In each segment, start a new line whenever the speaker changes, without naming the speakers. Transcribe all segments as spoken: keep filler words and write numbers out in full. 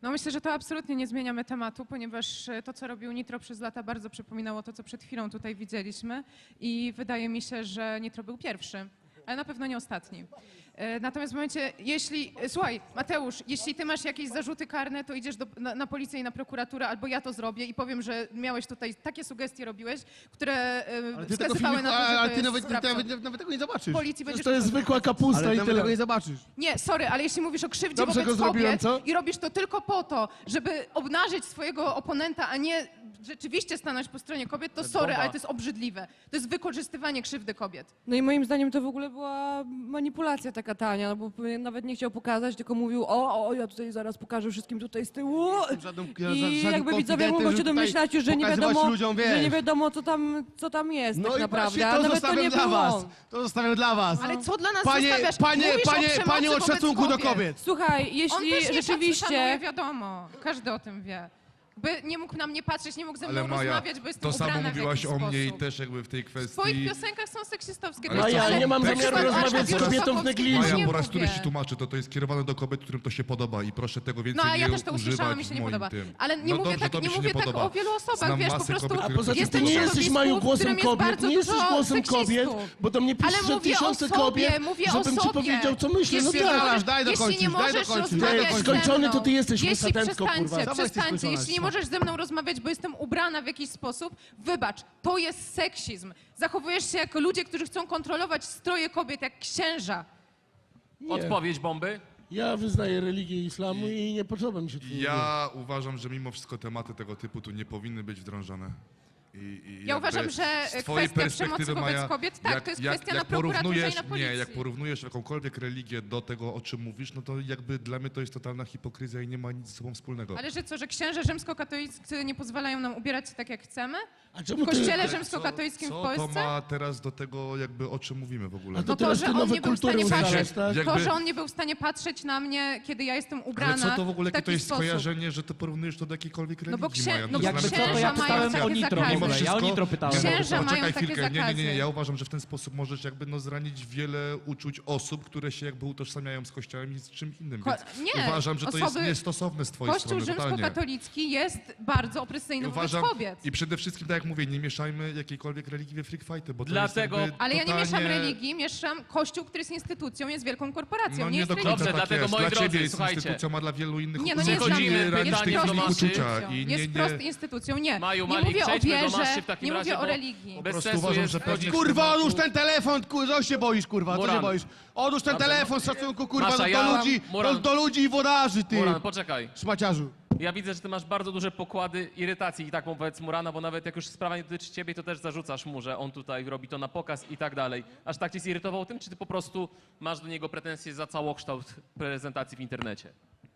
No myślę, że to absolutnie nie zmieniamy tematu, ponieważ to, co robił Nitro przez lata, bardzo przypominało to, co przed chwilą tutaj widzieliśmy i wydaje mi się, że Nitro był pierwszy, ale na pewno nie ostatni. Natomiast w momencie, jeśli, słuchaj, Mateusz, jeśli ty masz jakieś zarzuty karne, to idziesz do, na, na policję i na prokuraturę, albo ja to zrobię i powiem, że miałeś tutaj takie sugestie robiłeś, które
Ale ty,
wskazywały
filmiku,
na to, że
ale
to
ty
jest
nawet,
sprawcą.
nawet, nawet tego nie zobaczysz.
Policji będziesz
To jest zwykła kapusta
Ale
i
nawet
tyle.
tego nie zobaczysz.
Nie, sorry, ale jeśli mówisz o krzywdzie
Dobrze
wobec
go zrobiłem,
kobiet
co?
i robisz to tylko po to, żeby obnażyć swojego oponenta, a nie rzeczywiście stanąć po stronie kobiet, to sorry,
bomba.
ale to jest obrzydliwe. To jest wykorzystywanie krzywdy kobiet.
No i moim zdaniem to w ogóle była manipulacja taka tania, no bo nawet nie chciał pokazać, tylko mówił, o, o, ja tutaj zaraz pokażę wszystkim tutaj z tyłu.
Żadnym,
I
żadnym
jakby widzowie mogą się
żeby
domyślać,
tutaj
że nie
pokazywać
wiadomo,
ludziom,
że
wiesz.
nie wiadomo co tam, co tam jest
No
tak
i
naprawdę,
właśnie
a
to
nawet to
zostawiam
nie
dla
był
was.
on.
To zostawiam dla was.
Ale co dla nas
Panie,
zostawiasz?
panie,
Mówisz
panie,
o przemocy
panie od
wobec
szacunku do
kobiet.
kobiet.
Słuchaj,
On
jeśli
też nie
rzeczywiście...
szanuje, wiadomo. Każdy o tym wie. By nie mógł na mnie patrzeć, nie mógł ze mną
Ale Maja,
rozmawiać, bo jestem
to samo
ubrana w
mówiłaś
jakiś
o mnie i
sposób.
też jakby w tej
W twoich
kwestii...
piosenkach są seksistowskie
Ale
teksty,
ja
ale
nie mam
na
zamiaru
przykład
rozmawiać
Asia
z kobietą w
Bielsakowskiej
negliżu.
też
Maja,
nie
po raz
mówię.
któryś ci tłumaczę, to to jest skierowane do kobiet, którym to się podoba i proszę tego więcej
No a
nie
ja też to
używać
usłyszałam i się
w
nie
moim
podoba.
tym.
Ale nie
No
mówię
dobrze,
tak,
to
nie
mi się
mówię
nie
tak
podoba.
o wielu osobach,
Znam
wiesz, po
masę
prostu
kobiet,
A
które
poza tym
takie
ty
jestem
nie
w
jesteś
środowisku,
Maju
w
głosem
którym jest
kobiet,
bardzo
nie jesteś
dużo
głosem kobiet,
seksistów.
bo do mnie
Ale
pisze
mówię
tysiące
o sobie,
kobiet,
mówię
żebym
o
ci
sobie.
powiedział co myślę, no
Jeśli
tak.
Spierdalasz, daj
Jeśli
dokończyć,
nie
daj
możesz
dokończyć.
rozmawiać
Jak
ze
skończony,
mną,
to ty jesteś
jeśli
musatentko,
przestańcie,
kurwa.
Dawaj, jesteś
przestańcie,
skończona
jeśli nie
jeszcze.
możesz ze mną rozmawiać, bo jestem ubrana w jakiś sposób, wybacz, to jest seksizm. Zachowujesz się jako ludzie, którzy chcą kontrolować stroje kobiet jak księża.
Nie.
Odpowiedź bomby?
Ja wyznaję religię islamu i nie podoba mi się to.
Ja uważam, że mimo wszystko tematy tego typu tu nie powinny być wdrążone. I, i
Ja
jakby
uważam, że
z twojej
kwestia
perspektywy,
przemocy wobec
Maja,
kobiet, tak, to jest kwestia na prokuraturze
porównujesz-
i na policji.
Nie, jak porównujesz jakąkolwiek religię do tego, o czym mówisz, no to jakby dla mnie to jest totalna hipokryzja i nie ma nic ze sobą wspólnego.
Ale że co, że księże rzymskokatoliccy nie pozwalają nam ubierać się tak, jak chcemy?
A
W
czemu ty...
kościele
Ale
rzymskokatolickim
co,
w
co
Polsce?
to ma teraz do tego, jakby o czym mówimy w ogóle?
A to
No to,
teraz
że
ty
on
nowe
nie był w
kultury
stanie
ustalasz,
patrzeć,
tak?
Jakby-
to, że on nie był w stanie patrzeć na mnie, kiedy ja jestem ubrana
Ale co to w ogóle,
w
jakie
taki
to jest
sposób.
skojarzenie, że ty porównujesz to do jakiejkolwiek
No
religii,
bo, księ...
Maja?
no bo
dla
Jakby
mnie
co, to
księża
ja
mają
pytałem
takie
o Nitro w
zakazy.
ogóle. Ja o Nitro pytałem.
Księża mają
Poczekaj
takie
chwilkę. Nie, nie, nie,
zakazy.
ja uważam, że w ten sposób możesz jakby no zranić wiele uczuć osób, które się jakby utożsamiają z kościołem i z czym innym,
Ko-
więc
nie,
uważam, że to jest
osoby-
niestosowne z twojej
Kościół
strony, totalnie.
rzymskokatolicki jest bardzo
I
opresyjny
uważam,
wobec kobiet.
i przede wszystkim, tak jak mówię, nie mieszajmy jakiejkolwiek religii we freak fighty, bo to
Dlatego-
jest jakby
Ale ja nie
totalnie...
mieszam religii, mieszam Kościół, który jest instytucją, jest wielką korporacją,
No
nie
nie
jest
do końca
religią.
Dobrze,
tak
dlatego,
jest.
moi
Dla
drodzy,
ciebie jest
słuchajcie.
instytucją, a dla wielu innych
Nie, no nie jest
osób
dla mnie,
nie ranisz
jest
tej
prost
innych
instytucją.
uczucia. I nie,
Jest
nie,
prost instytucją, nie.
Maju,
Nie
Malik,
mówię o
przejdźmy do maszy
wierze,
w takim
nie
razie,
mówię o
bo-
religii.
Po
Bez
prostu
sensu
uważam,
jest
że pewnie-
wchodzić-
Kurwa, odłóż ten telefon, kurwa, co się boisz, kurwa, co się
Muran.
boisz? Odłóż ten telefon z szacunku, kurwa,
Masza,
do,
ja-
do ludzi,
Muran.
do, do ludzi i wodarzy, ty,
Muran, poczekaj.
szmaciarzu.
Ja widzę, że ty masz bardzo duże pokłady irytacji i tak wobec Murana, bo nawet jak już sprawa nie dotyczy ciebie, to też zarzucasz mu, że on tutaj robi to na pokaz i tak dalej. Aż tak cię zirytował tym, czy ty po prostu masz do niego pretensje za całokształt prezentacji w internecie?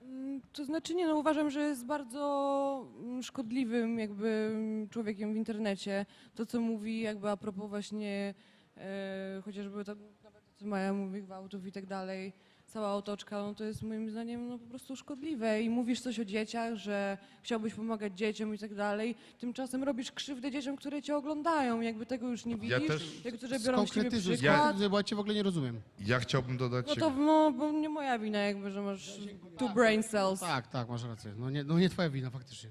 To znaczy nie, no uważam, że jest bardzo mm, szkodliwym jakby mm, człowiekiem w internecie. To, co mówi jakby a propos właśnie e, chociażby to, nawet to, co Maja mówi, gwałtów i tak dalej, cała otoczka, no to jest moim zdaniem no, po prostu szkodliwe. I mówisz coś o dzieciach, że chciałbyś pomagać dzieciom i tak dalej. Tymczasem robisz krzywdę dzieciom, które cię oglądają. Jakby tego już nie widzisz,
też-
jak to, że biorą z ciebie
Skonkretyzuj,
przykład.
ja... bo ja cię w ogóle nie rozumiem.
Ja chciałbym dodać...
No to no, bo nie moja wina jakby, że masz two brain cells.
Tak, tak, masz rację. No nie, no nie twoja wina, faktycznie.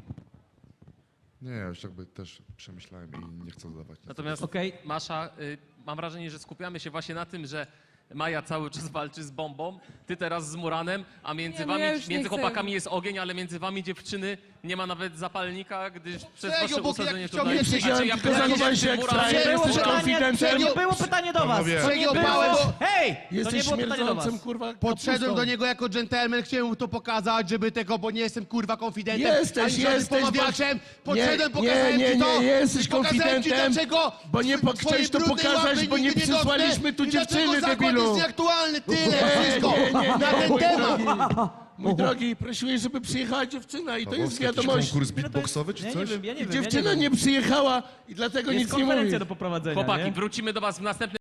Nie, ja już jakby też przemyślałem i nie chcę dodawać. nic.
Natomiast
Okej.
Masza, y, mam wrażenie, że skupiamy się właśnie na tym, że Maja cały czas walczy z bombą, ty teraz z Muranem, a między
Nie, no
wami,
ja już nie
między
chcę.
chłopakami jest ogień, ale między wami dziewczyny nie ma nawet zapalnika, gdyż przez
Serio,
wasze
bo
usadzenie
jak
tutaj...
chciałbym
A czy
Siedziałem,
ja
tylko
pytam,
zachowałeś się
czy
jak
Muran
frajer,
jest
jesteś
Muran-
konfidentem.
To nie było pytanie do was.
Panowie.
To nie
Serio,
było...
małe, bo-
Hej! To nie
Jesteś
było pytanie do
śmierdzącym,
was.
kurwa,
Podszedłem
kapustą.
do niego jako dżentelmen, chciałem mu to pokazać, żeby tego, bo nie jestem kurwa konfidentem,
Jesteś,
ani żadnym
jesteś,
pomawiaczem.
wiesz-
Podszedłem,
nie,
pokazałem
nie,
ci
nie,
to.
nie, jesteś
i pokazałem ci,
konfidentem,
dlaczego
bo nie
twoje
po- chciałeś to
brudne
pokazać,
łapy
bo nie
nigdy
przysłaliśmy tu
dotknę i dlaczego
dziewczyny,
zakład
debilu.
jest nieaktualny, tyle,
Nie,
wszystko,
nie, nie, nie,
na ten
mój
temat.
drogi, mój drogi, prosiłeś, żeby przyjechała dziewczyna i to jest
Pawłowski, jakiś
wiadomość.
konkurs beatboxowy czy
Ja nie
coś?
wiem, ja nie wiem.
Dziewczyna
ja nie,
nie
wiem.
przyjechała i dlatego
Jest
nic nie mówi.
konferencja do poprowadzenia,
Chłopaki,
nie?
wrócimy do was w następnym